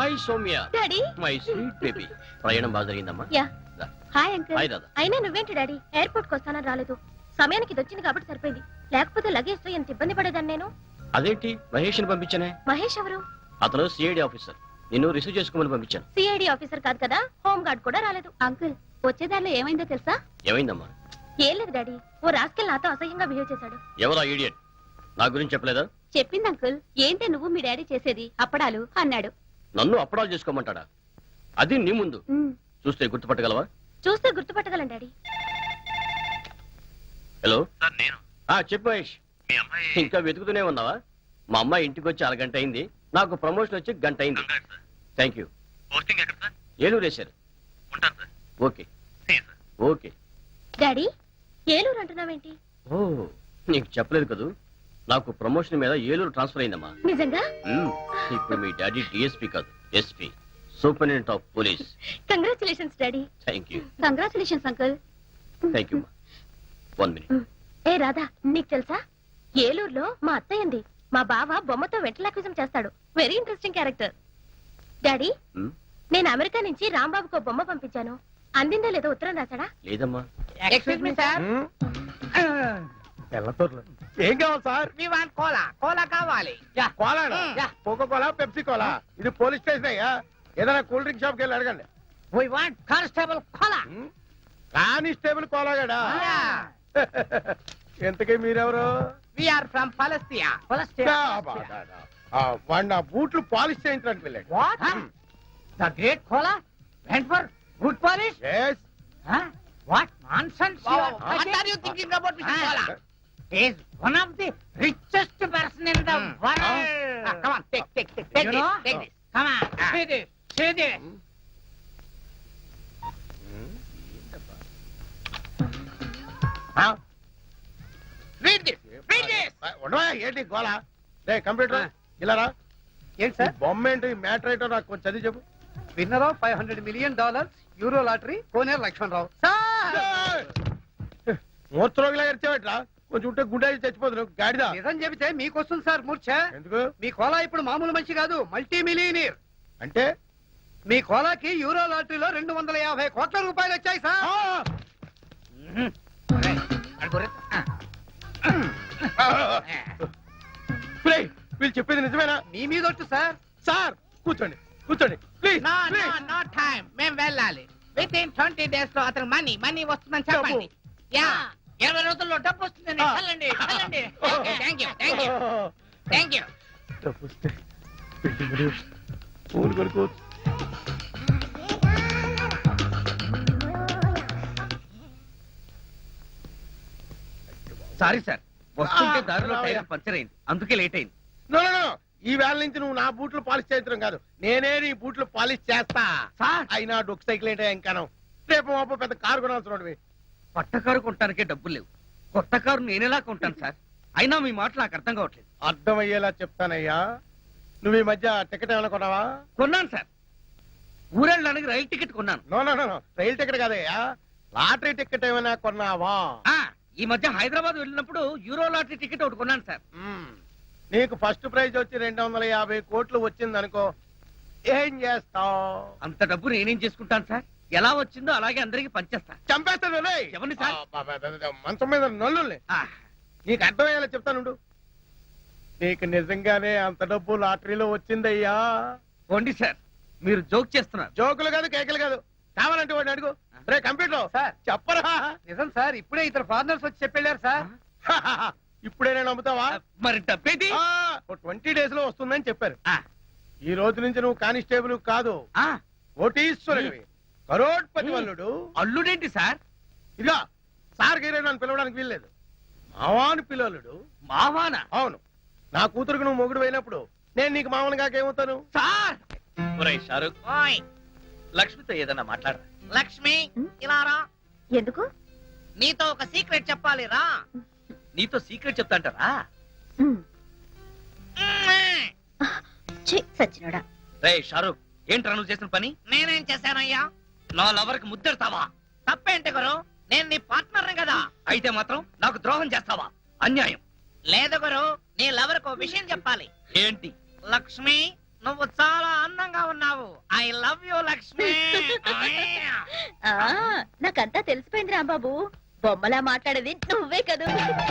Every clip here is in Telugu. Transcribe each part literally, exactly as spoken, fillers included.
Hi Soumya. Daddy. My sweet baby. ప్రయాణం బాగా జరిగిందమ్మా? యా. Hi uncle. హాయ్ దాదా. అయినా నువ్వేంటి డాడీ ఎయిర్పోర్ట్ కి వస్తానని రాలేదు? సమయానికి ఇది వచ్చింది కాబట్టి సరిపోయింది, లేకపోతే లగేజ్ తో ఎంత ఇబ్బంది పడేదాన్ని నేను. అదేంటి మహేష్ ని పంపించానే? మహేష్ ఎవరు? అతను సిఐడి ఆఫీసర్. నిన్ను రిసీవ్ చేసుకోమని పంపించాను. సిఐడి ఆఫీసర్ కాదు కదా, హోమ్ గార్డ్ కూడా రాలేదు. అంకుల్ వచ్చేదారిలో ఏమైందో తెలుసా? ఏమైందమ్మా? ఏం లేదు డాడీ, ఓ రాస్కెల్ నాతో అసహ్యంగా బిహేవ్ చేశాడు. ఎవరా ఇడియట్? నా గురించి చెప్పలేదా? చెప్పింది అంకుల్. ఏంటే నువ్వు మీ డాడీ చేసేది అప్పడాలు అన్నాడు. నన్ను అప్పడాలు చేసుకోమంటాడా? అది నీ ముందు చూస్తే గుర్తుపట్టగలవా? చూస్తే గుర్తుపట్టగలను డాడీ. హలో సార్, నేను ఆ చెప్పు మహేష్. మీ అమ్మాయి ఇంకా వెతుకుతూనే ఉన్నావా? మా అమ్మాయి ఇంటికి వచ్చి అరగంట అయింది, నాకు ప్రమోషన్ వచ్చి గంట అయింది. కంగారు సార్. Thank you. పోస్టింగ్ ఎక్కడ సార్? ఏలూరు వేశారు. ఉంటాను sir. Okay see sir. Okay. Daddy Eluru అంటున్నావేంటి? ఓ నీకు చెప్పలేదు కదూ, నాకు ప్రమోషన్ మీద ఏలూరు ట్రాన్స్ఫర్ అయిందమ్మా. నిజంగా? మ్మ్. ఇప్పుడు మీ డాడీ డిఎస్పీ కాదు, SP, superintendent of police. Congratulations daddy. Thank you. Congratulations uncle. Thank you. One minute. ఏ రాధా, నీకు తెలుసా ఏలూరులో మా అత్తయ్య ఉంది. మా బావ బొమ్మతో వెంటలాక్విజం చేస్తాడు. Very interesting character. డాడీ మ్మ్. నేను అమెరికా నుంచి రాంబాబుకు ఓ బొమ్మ పంపించాను. అందిందో లేదో ఉత్తరం రాశాడా? లేదమ్మా. Excuse me sir. ఏం కావాలి sir? We want cola. Cola కావాలి. Cola? Yeah. Coca cola, Pepsi cola? ఇది పోలీస్ స్టేషన్ అయ్యా, ఏదైనా కూల్ డ్రింక్ షాప్ కి వెళ్ళి అడగండి. We want constable cola. Constable కోలాగాడా? ఎంతకీ మీరెవరు? We are from Palestine. వాడు నా బూట్లు పాలిష్ చేయించడానికి వెళ్ళాడు. What? The great cola went for good polish? Yes. What nonsense you are what are you thinking about mister cola? He is one of the richest person in the world. Ah, come on, take, take, take, take this, take this. Come on, see this, see this. Huh? Read this, read this. ఉండవా ఏంటి గోలా? రే కంప్యూటర్ ఇలా రా. ఏంటి సార్? బొమ్మ ఏంటి, మ్యాటర్ ఏంటో నాకు కొంచెం చదివి చెప్పు. Winner of five hundred million dollars euro lottery Koneru Lakshmanarao. మూర్చరోగిలా ఎరిచేవట్రా? కొంచెం ఉంటే గుండె చచ్చిపోతున్నావు గాడిదా. నిజం చెబితే మీకు వస్తుంది సార్ మూర్ఛ. ఎందుకు? మీ కోలా ఇప్పుడు మామూలు మనిషి కాదు, మల్టీ మిలియనీర్. అంటే మీ కోలాకి యూరో లాటరీలో రెండు వందల యాభై కోట్ల రూపాయలు వచ్చాయి సార్. వీళ్ళు చెప్పేది నిజమేనా? మీ మీద వచ్చు సార్. సార్ కూర్చోండి, కూర్చోండి please. No, no, no time. మేము వెళ్ళాలి. విత్ ఇన్ ట్వంటీ డేస్ లో అతను మనీ మనీ వస్తుందని చెప్పండి. యా, ఇరవై రోజుల్లో డబ్బు వస్తుందని వెళ్ళండి, వెళ్ళండి. Thank you, thank you, thank you. పూలు కొనుక్కో. సారీ సార్, వస్తుంటే దారిలో టైర్ పంచర్ అయింది, అందుకే లేట్ అయింది. నో నో నో, ఈ వేళ నుంచి నువ్వు నా బూట్లు పాలిష్ చేయించడం కాదు, నేనే నీ బూట్లు పాలిష్ చేస్తా. సార్ అయినా డొక్ సైకిల్ ఏంటో ఇంకాను. రేపు మాపో పెద్ద కారు కొనాల్సిన. పట్ట కారు కొనటానికే డబ్బులు లేవు, కొత్త కారు నేనెలా కొంటాను సార్? అయినా మీ మాట నాకు అర్థం కావట్లేదు. అర్థమయ్యేలా చెప్తానయ్యా. నువ్వు ఈ మధ్య టికెట్ ఏమైనా కొన్నావా? కొన్నాను సార్, ఊరెళ్ళడానికి రైలు టికెట్ కొన్నాను. నో నో నో, రైలు టికెట్ కాదయ్యా, లాటరీ టికెట్ ఏమైనా కొన్నావా? ఆ ఈ మధ్య హైదరాబాద్ వెళ్ళినప్పుడు యూరో లాటరీ టికెట్ ఒకటి కొన్నాను సార్. నీకు ఫస్ట్ ప్రైజ్ వచ్చి రెండు వందల యాభై కోట్లు వచ్చింది అనుకో, ఏం చేస్తావు? అంత డబ్బు నేనేం చేసుకుంటాను సార్? ఎలా వచ్చిందో అలాగే అందరికి పంచేస్తా. చంపేస్తాను. ఎవరిని సార్? మంచం మీద నల్లుల్ని. నీకు అర్థమయ్యేలా చెప్తానుండు. నీకు నిజంగానే అంత డబ్బు లాటరీలో వచ్చిందయ్యా. పోండి సార్, మీరు జోక్ చేస్తున్నారు. జోకులు కాదు, కేకలు కాదు. కావాలంటే వాడిని అడుగు. రే కంప్యూటర్ సార్ చెప్పరా? నిజం సార్, ఇప్పుడే ఇద్దరు ఫారినర్స్ వచ్చి చెప్పెళ్ళారు సార్. ఇప్పుడే నేను నమ్ముతావా? మరి డబ్బేది? ట్వంటీ డేస్ లో వస్తుందని చెప్పారు. ఆ, ఈ రోజు నుంచి నువ్వు కానిస్టేబుల్ కాదు, ఆ, కోటీశ్వరుడివి, కరోడ్పతి వల్లుడు. అల్లుడేంటి సార్? ఇదిగా సార్ గీరే నన్ను పిలవడానికి వీల్లేదు, మావాను పిలవలుడు. మావానా? అవును, నా కూతురుకు నువ్వు మొగుడు అయినప్పుడు నేను నీకు మామూలు కాకేమవుతాను? సార్ ఒరేయ్ షారుఖ్, ఓయ్ లక్ష్మితో ఏదన్నా మాట్లాడరా. లక్ష్మి ఇలా రా. ఎందుకు? నీతో ఒక సీక్రెట్ చెప్పాలి రా. నీతో సీక్రెట్ చెప్తాంటారా? సచ్చినోడా. రే షారుఖ్, ఏంట్రా నువ్వు చేసిన పని? నేనేం చేశానయ్యా? నా లవర్ కి ముద్దెడతావా? తప్పేంటి గురు, నేను నీ పార్ట్నర్ కదా. అయితే మాత్రం నాకు ద్రోహం చేస్తావా? అన్యాయం. లేదు గురు, నీ లవర్ కు విషయం చెప్పాలి. ఏంటి? లక్ష్మి నువ్వు చాలా అందంగా ఉన్నావు. I love you Lakshmi. ఆ, నాకంతా తెలిసిపోయింది రాంబాబు. బొమ్మలా మాట్లాడేది నువ్వే కదా.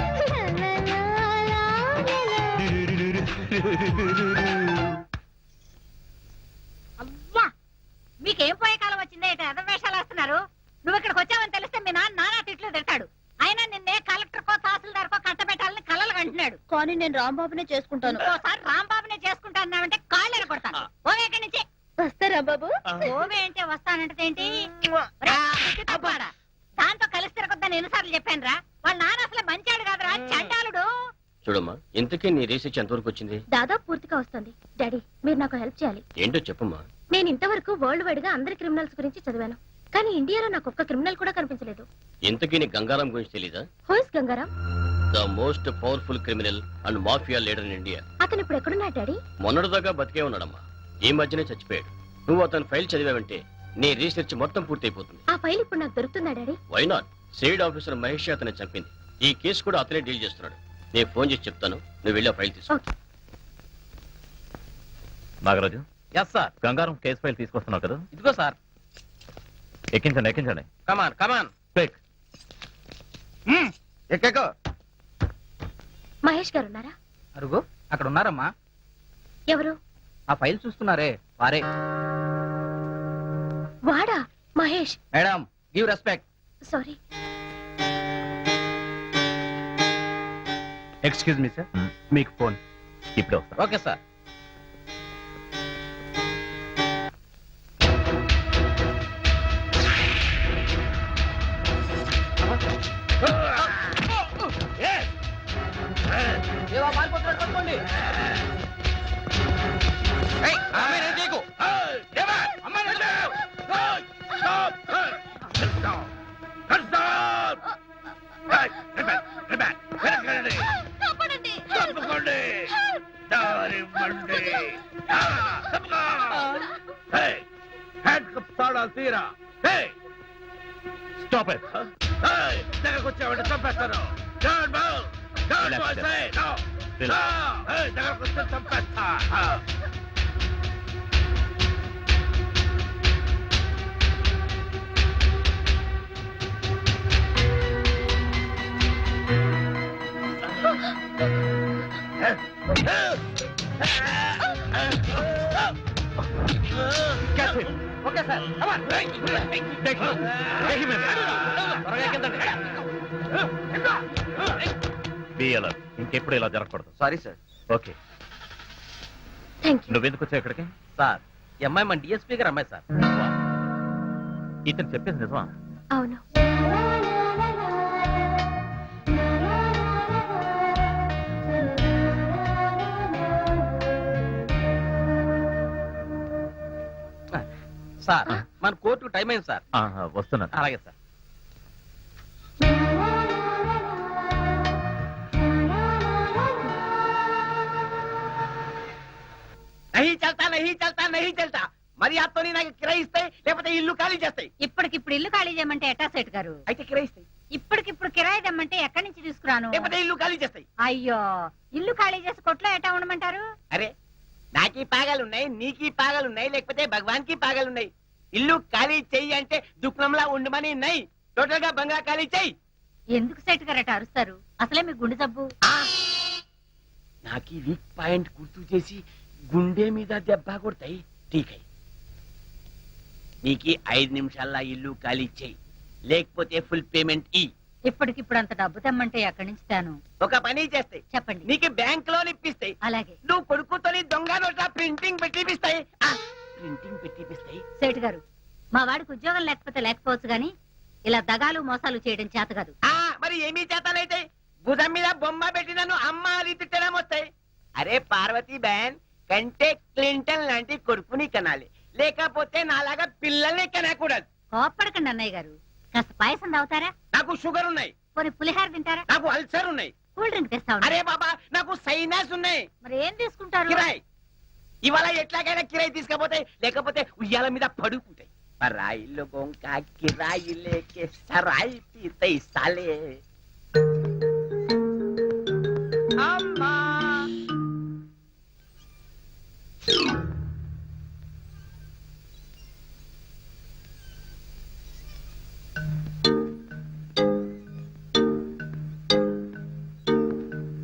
అవ్వా మీకేం పోయే కాలం వచ్చిందే ఇటు ఎదవేషాలు వేస్తున్నారు. నువ్వు ఇక్కడికి వచ్చావని తెలిస్తే మీ నాన్న నానా తిట్లు తిడతాడు. అయినా నిన్నే కలెక్టర్ కో తహసీల్దార్ కో కట్టబెట్టాలని కలలు కంటున్నాడు. కానీ నేను రాంబాబునే చేసుకుంటాను. ఇంకోసారి రాంబాబునే చేసుకుంటానంటే కాళ్ళు ఎరగొడతాను. ఓవే ఇక్కడి నుంచి. వస్తా రాంబాబు. ఓవే అంటే వస్తానంటే ఏంటి? దాంతో కలిసి తిరగొద్దని ఎన్నిసార్లు చెప్పాను రా. వాళ్ళ నాన్న అసలు మంచాడు కాదురా, చండాలుడు. చూడమ్మా ఇంతకీ నీ రీసెర్చ్ ఎంతవరకు వచ్చింది? దాదాపు పూర్తిగా వస్తుంది. డాడీ మీరు నాకు హెల్ప్ చేయాలి. ఏంటో చెప్పమ్మా. నేను ఇంతవరకు వరల్డ్ వైడ్ గా అందరి క్రిమినల్స్ గురించి చదివాను, కానీ ఇండియాలో నాకు ఒక్క క్రిమినల్ కూడా కనిపించలేదు. ఇంతకీ నీ గంగారాం గురించి తెలీదా? Who is Gangaram? The most powerful criminal and mafia leader in India. అతను ఇప్పుడు ఎక్కడున్నాడు డాడీ? మొన్నటిదాకా బతికే ఉన్నాడమ్మా, ఈ మధ్యనే చచ్చిపోయాడు. నువ్వు అతని ఫైల్ చదివావంటే నీ రీసెర్చ్ మొత్తం పూర్తయిపోతుంది. ఆ ఫైల్ ఇప్పుడు నాకు దొరుకుతుందా daddy? Why not? Side officer Mahesh అతన్ని చంపింది. ఈ కేసు కూడా అతనే డీల్ చేస్తున్నాడు. నేను ఫోన్ చేసి చెప్తాను, నువ్వు వెళ్ళి ఆ ఫైల్ తీసుకో. Okay. Nagaraju, yes sir. Gangaram case file తీసుకొస్తున్నావు కదా? ఇదిగో సార్. ఎక్కించండి ఎక్కించండి. Come on come on. క్విక్. ఎక్కకో. మహేష్ గారు ఉన్నారా? అరుగు అక్కడ ఉన్నారమ్మా. ఎవరు? ఆ ఫైల్ చూస్తున్నారే వారే. వాడా Mahesh? Madam give respect. Sorry. Excuse me sir, మీకు ఫోన్ ఇప్పుడే వస్తా. Okay sir. Stop it. దగ్గరకు వచ్చావంటే చంపేస్తాను. Don't move. Don't Relax, move. sir. Say no. Relax. No. Hey, దగ్గరకు వస్తే చంపేస్తా. Catch him. Okay sir. Come on. Take him. Take him in. త్వరగా కిందండి. Be alert. ఇంకెప్పుడు ఇలా జరగకూడదు. Sorry sir. Okay. Thank you. నువ్వెందుకు వచ్చావు ఇక్కడికి? సార్ ఈ అమ్మాయి మన డిఎస్పీ గారు అమ్మాయి సార్. ఇతను చెప్పేది నిజమా? అవును. సార్ మన కోర్టుకు టైం అయింది సార్. ఆహా, వస్తున్నాను. అలాగే సార్. నహీ చల్తా నహీ చల్తా నహీ చల్తా. మరి అతను నాకు కిరాయి ఇస్తాయి, లేకపోతే ఇల్లు ఖాళీ చేస్తాయి. ఇప్పటికిప్పుడు ఇల్లు ఖాళీ చేయమంటే ఎట్టా సెట్ గారు? అయితే కిరాయి ఇస్తాయి, ఇప్పటికిప్పుడు కిరాయి తెమ్మంటే ఎక్కడి నుంచి తీసుకురాను? లేకపోతే ఇల్లు ఖాళీ చేస్తాయి. అయ్యో, ఇల్లు ఖాళీ చేసి కొట్లో ఎట్టా ఉండమంటారు? అరే నాకీ పాగాలున్నాయి, నీకీ పాగాలున్నాయి, లేకపోతే భగవాన్ కి పాగాలున్నాయి. ఇల్లు ఖాళీ చెయ్యి అంటే దుఃఖంలా ఉండమని నై. టోటల్ గా బంగ్లా ఖాళీ చెయ్యి. ఎందుకు సెట్ గారు అట్ట అరుస్తారు? అసలే మీ గుండె జబ్బు. నాకీ వీక్ పాయింట్ గుర్తు చేసి గుండె మీద దెబ్బ కొడతాయి. ఠీకై నీకి ఐదు నిమిషాల్లో ఇల్లు ఖాళీ చెయ్యి, లేకపోతే ఫుల్ పేమెంట్ ఈ. ఇప్పటికిప్పుడు అంత డబ్బు తెమ్మంటే ఎక్కడి నుంచి తాను? ఒక పని చేస్తాయి, చెప్పండి. నీకు బ్యాంక్ లోన్ ఇప్పిస్తాయి. అలాగే. నువ్వు కొడుకుతోని దొంగ నోట్ల ప్రింటింగ్ పెట్టిపిస్తాయి. ప్రింటింగ్ పెట్టిపిస్తాయి. సేటు గారు, మా వాడికి ఉద్యోగం లేకపోతే లేకపోవచ్చు గాని ఇలా దగాలు మోసాలు చేయడం చేత కాదు. ఆ మరి ఏమీ చేతనైతే భుజం మీద బొమ్మ పెట్టి నన్ను అమ్మ అని తిట్టడం వస్తాయి. అరే పార్వతీ బహన్ కంటే క్లింటన్ లాంటి కొడుకుని కనాలి, లేకపోతే నాలాగా పిల్లల్ని కనకూడదు. కోప్పడకండి అన్నయ్య గారు. కాస్త పాయసం తాగుతారా? నాకు షుగర్ ఉన్నాయి. కొన్ని పులిహార తింటారా? నాకు అల్సర్ ఉన్నాయి. కూల్ డ్రింక్ తెస్తా ఉండు. అరే బాబా నాకు సైనస్ ఉన్నాయి. మరి ఏం తీసుకుంటారు? కిరాయి ఇవాళ ఎట్లాగైనా కిరాయి తీసుకపోతే, లేకపోతే ఉయ్యాల మీద పడుకుంటాయి. పరాయి లోగోं का किराई लेके सराय पीते साले. అమ్మా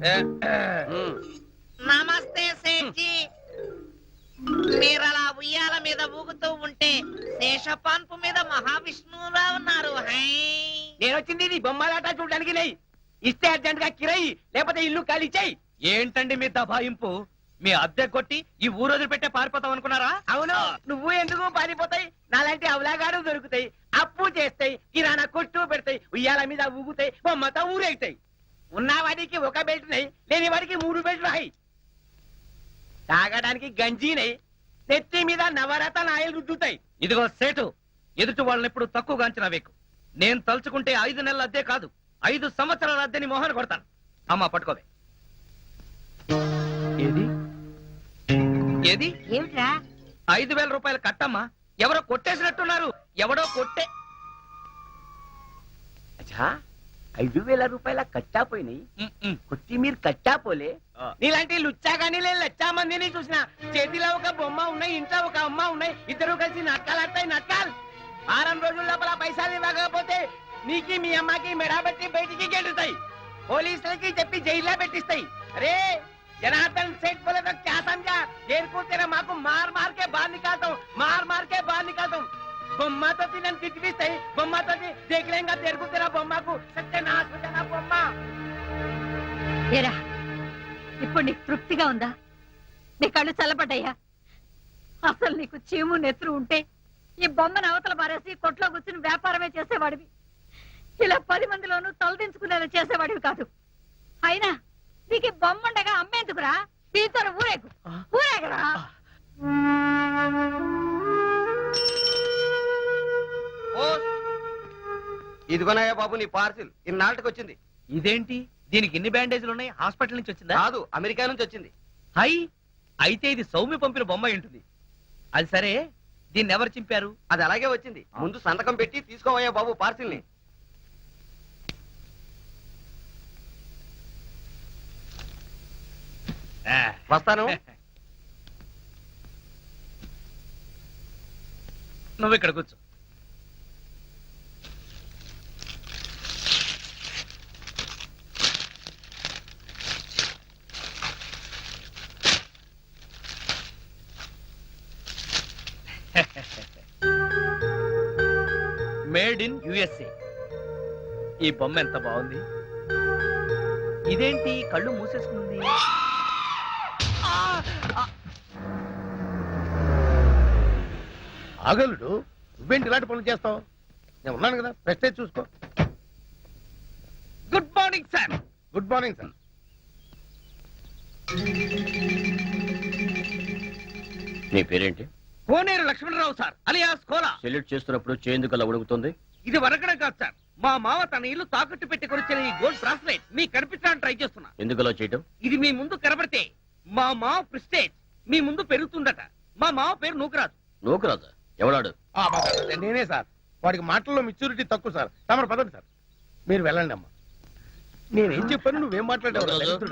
నమస్తే సేఠ్జీ మీరు అలా ఉయ్యాల మీద ఊగుతూ ఉంటే శేషపాన్పు మీద మహావిష్ణువులా ఉన్నారు హై నేను వచ్చింది ఇది బొమ్మలాట చూడడానికి లేయి ఇస్తే అర్జెంట్ గా కిరయి లేకపోతే ఇల్లు ఖాళీ చేయి. ఏంటండి మీ దబాయింపు? మీ అద్దె కొట్టి ఈ ఊరోజు పెట్టే పారిపోతాం అనుకున్నారా? అవును, నువ్వు ఎందుకు పారిపోతాయి? నాలాంటి అవలాగాడు దొరుకుతాయి, అప్పు చేస్తాయి, కిరాణా కొట్టు పెడతాయి, ఉయ్యాల మీద ఊగుతాయి, బొమ్మతో ఊరేగుతాయి. ఉన్నవాడికి ఒక బెల్ట్ నై, లేని వాడికి మూడు బెల్ట్లు హై. తాగడానికి గంజీనై, నెత్తి మీద నవరత్న నాయలు రుద్దుతాయి. ఇదిగో సేటు, ఎదుటి వాళ్ళని ఎప్పుడు తక్కువగా అంచనా వేకు. నేను తలుచుకుంటే ఐదు నెలల అద్దె కాదు, ఐదు సంవత్సరాల అద్దెని మోహన కొడతాను. అమ్మా పట్టుకోవే. ఏది ఏది ఏమిట్రా ఐదు వేల రూపాయలు కట్టమ్మా. ఎవరో కొట్టేసినట్టున్నారు. ఎవడో కొట్టే అచ్చా, ఐదు వేల రూపాయల కట్టా పోయినాయి. ఉమ్, ఉమ్. కొట్టి మీరు కట్టా పోలే. ఆ. నీలాంటి లుచ్చా కానీ నేను లచ్చా మందిని చూసిన. చేతిలో ఒక బొమ్మ ఉన్నాయి, ఇంట్లో ఒక అమ్మ ఉన్నాయి, ఇద్దరు కలిసి నాటకాలు నాటకాలు. వారం రోజుల లోపల పైసలు ఇవ్వకపోతే నీకి మీ అమ్మకి మెడబెట్టి బయటికి గెలుతాయి, పోలీసులకి చెప్పి జైల్లో పెట్టిస్తాయి. అరే జనార్దన్ सेठ बोले तो क्या समझा? देर को तेरा माँ को मार मार के बाहर निकालता हूँ, मार मार के बाहर निकालता हूँ. बम्मा तो तीन तिटविस्ताई, बम्मा तो ती- देख लेंगा देर को तेरा बम्मा को सत्यानाश हो जाना बम्मा. ఏరా ఇప్పుడు నీకు తృప్తిగా ఉందా? నీ కళ్ళు చల్లబడ్డాయా? అసలు నీకు చీము నెత్తురు ఉంటే ఈ బొమ్మను అవతల పారేసి కొట్లో కూర్చుని వ్యాపారమే చేసేవాడివి. ఇలా పది మందిలోనూ తలదించుకునేలా చేసేవాడివి కాదు. అయినా నీకు ఈ బొమ్మ ఉండగా అమ్మేందుకురా? దీంతో ఊరేగు ఊరేగరా. ఇదిగోనయ్యా బాబు నీ పార్సిల్ ఇన్నాళ్ళకి వచ్చింది. ఇదేంటి, దీనికి ఇన్ని బ్యాండేజ్లు ఉన్నాయి? హాస్పిటల్ నుంచి వచ్చిందా? కాదు, అమెరికా నుంచి వచ్చింది. హై, అయితే ఇది సౌమ్య పంపిన బొమ్మ ఉంటుంది. అది సరే, దీన్ని ఎవరు చింపారు? అది అలాగే వచ్చింది. ముందు సంతకం పెట్టి తీసుకోవయ్యా బాబు పార్సిల్ ని. వస్తాను. నువ్వు ఇక్కడ కూర్చో. Made in USA. ఈ బొమ్మ ఎంత బాగుంది. ఇదేంటి కళ్ళు మూసేసుకుంది? ఆగలుడు, నువ్వేంటి ఇలాంటి పనులు చేస్తావు? నేను ఉన్నాను కదా, ప్రెస్టేజ్ చూసుకో. Good morning sir. Good morning sir. నీ పేరేంటి? Koneru Lakshmanarao sir, alias cola. Salute చేస్తున్నప్పుడు చేందుకు అలా ఉడుకుతుంది. ఇది వరకడం కాదు సార్, మా మావ తన ఇల్లు తాకట్టు పెట్టి కొనిచ్చిన ఈ గోల్డ్ బ్రాస్లెట్ మీకు కనిపించడానికి ట్రై చేస్తున్నా. ఎందుకు అలా చేయటం? ఇది మీ ముందు కనబడితే మా మావ ప్రిస్టేజ్ మీ ముందు పెరుగుతుందట. మా మావ పేరు నూకరాజు. నూకరాజా? ఎవడాడు? ఆ, బాబా, నేనే సార్. వాడికి మాటల్లో మెచ్యూరిటీ తక్కువ సార్. తమరు పదండి సార్, మీరు వెళ్ళండి అమ్మా. నేనేం చెప్పాను, నువ్వేం మాట్లాడావు?